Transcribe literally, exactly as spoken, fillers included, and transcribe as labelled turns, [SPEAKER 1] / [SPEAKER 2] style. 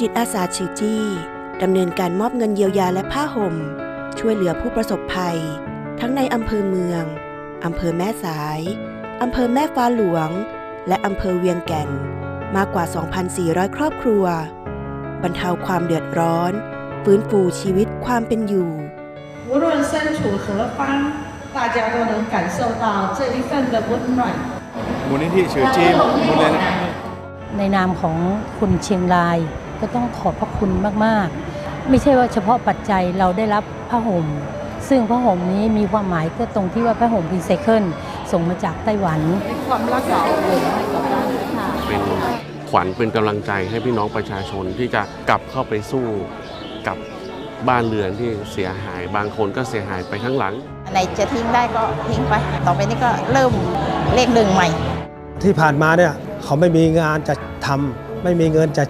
[SPEAKER 1] จิตอาสาชื่อจี้ดำเนินการมอบเงินเยียวยาและผ้าห่มช่วยเหลือผู้ประสบภัยทั้งในอำเภอเมืองอำเภอแม่สายอำเภอแม่ฟ้าหลวงและอำเภอเวียงแก่นมากกว่า สองพันสี่ร้อย ครอบครัวบรรเทาความเดือดร้อนฟื้นฟูชีวิตความเป็นอยู่
[SPEAKER 2] 无论身处何方大家都能感受到这一份的温暖
[SPEAKER 3] มูลนิธิชื่อจีมูลนิธิ
[SPEAKER 4] ในนามของคุณเชียงรายก็ต้องขอบพระคุณมากๆไม่ใช่ว่าเฉพาะปัจจัยเราได้รับผ้าห่มซึ่งผ้าห่มนี้มีความหมายก็ตรงที่ว่าผ้าห่มรีไซเคิลส่งมาจากไต้หวัน
[SPEAKER 2] ความรักษาอบอุ่นให้กับบ้านค่ะ
[SPEAKER 5] เป็นขวัญเป็นกำลังใจให้พี่น้องประชาชนที่จะกลับเข้าไปสู้กับบ้านเรือนที่เสียหายบางคนก็เสียหายไปข้างหลัง
[SPEAKER 6] อะไรจะทิ้งได้ก็ทิ้งไปต่อไปนี้ก็เริ่มเลขหนึ่งใหม่
[SPEAKER 7] ที่ผ่านมาเนี่ยเขาไม่มีงานจะทำไม่มีเงินจะ